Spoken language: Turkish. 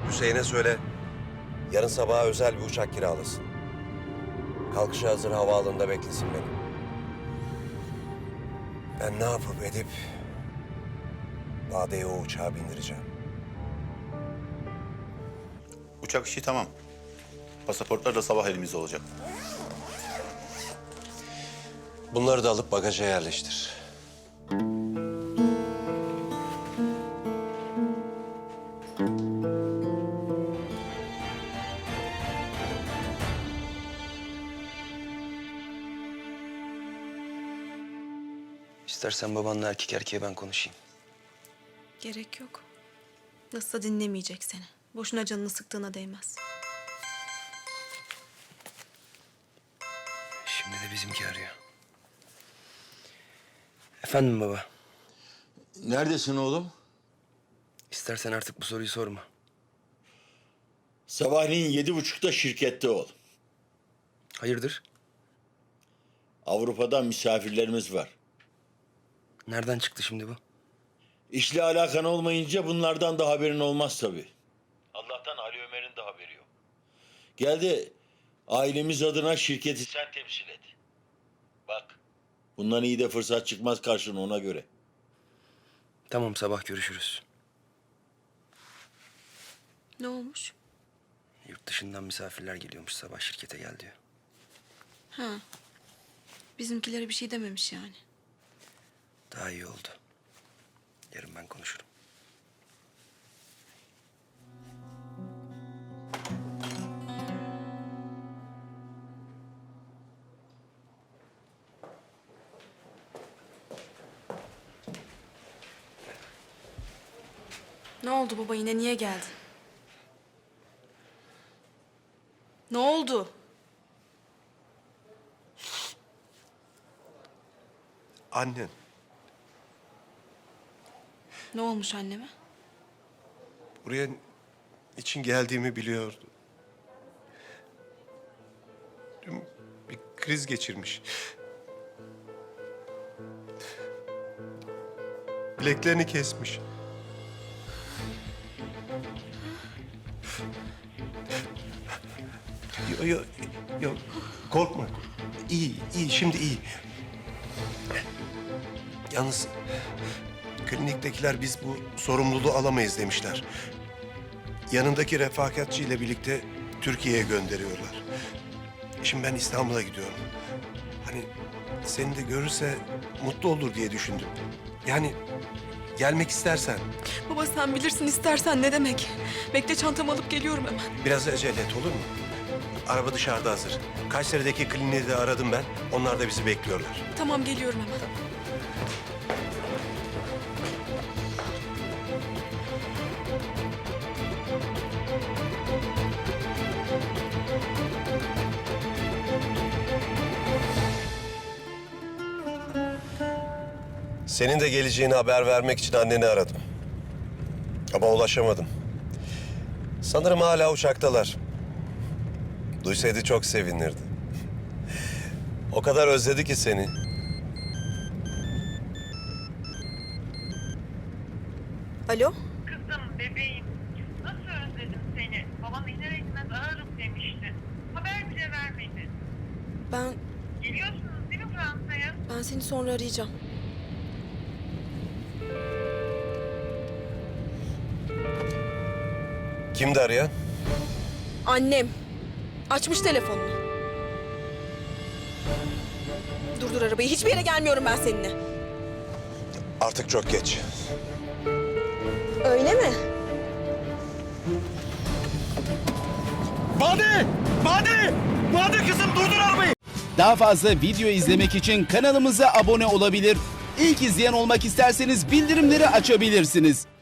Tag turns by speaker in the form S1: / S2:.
S1: Hüseyin'e söyle, yarın sabaha özel bir uçak kiralasın. Kalkışa hazır havaalanında beklesin beni. Ben ne yapıp edip Bade'yi o uçağa bindireceğim.
S2: Uçak işi tamam. Pasaportlar da sabah elimizde olacak.
S1: Bunları da alıp bagaja yerleştir.
S3: İstersen babanla erkek erkeğe ben konuşayım.
S4: Gerek yok. Nasılsa dinlemeyecek seni. Boşuna canını sıktığına değmez.
S3: Şimdi de bizimki arıyor. Efendim baba.
S5: Neredesin oğlum?
S3: İstersen artık bu soruyu sorma.
S5: Sabahleyin 7.30'da şirkette ol.
S3: Hayırdır?
S5: Avrupa'dan misafirlerimiz var.
S3: Nereden çıktı şimdi bu?
S5: İşle alakan olmayınca bunlardan da haberin olmaz tabii. Allah'tan Ali Ömer'in de haberi yok. Gel de ailemiz adına şirketi sen temsil et. Bak, bundan iyi de fırsat çıkmaz karşına, ona göre.
S3: Tamam, sabah görüşürüz.
S4: Ne olmuş?
S3: Yurt dışından misafirler geliyormuş, sabah şirkete gel diyor.
S4: Ha. Bizimkilere bir şey dememiş yani.
S3: Daha iyi oldu. Yarın ben konuşurum.
S4: Ne oldu baba, yine niye geldin? Ne oldu?
S1: Annen.
S4: Ne olmuş anneme?
S1: Buraya için geldiğimi biliyordu. Dün bir kriz geçirmiş. Bileklerini kesmiş. Yok, korkma. İyi, şimdi iyi. Yalnız kliniktekiler biz bu sorumluluğu alamayız demişler. Yanındaki refakatçi ile birlikte Türkiye'ye gönderiyorlar. Şimdi ben İstanbul'a gidiyorum. Hani seni de görürse mutlu olur diye düşündüm. Yani gelmek istersen
S4: Baba sen bilirsin, istersen ne demek? Bekle, çantamı alıp geliyorum hemen.
S1: biraz acele et, olur mu? Araba dışarıda hazır. Kayseri'deki kliniği de aradım ben. Onlar da bizi bekliyorlar.
S4: Tamam, geliyorum hemen.
S1: Senin de geleceğini haber vermek için anneni aradım. Ama ulaşamadım. Sanırım hala uçaktalar. Duysaydı çok sevinirdi. O kadar özledi ki seni.
S4: Alo?
S6: Kızım, bebeğim. Nasıl özledim seni. Babam iner etmez ararım demişti. Haber bile vermedi.
S4: Ben
S6: Geliyorsunuz değil mi Fransa'ya?
S4: seni sonra arayacağım.
S1: Kimdi arayan?
S4: Annem. Açmış telefonunu. Durdur arabayı. Hiçbir yere gelmiyorum ben seninle.
S1: Artık çok geç.
S4: Öyle mi?
S5: Bade kızım, durdur arabayı!
S7: Daha fazla video izlemek için kanalımıza abone olabilir. İlk izleyen olmak isterseniz bildirimleri açabilirsiniz.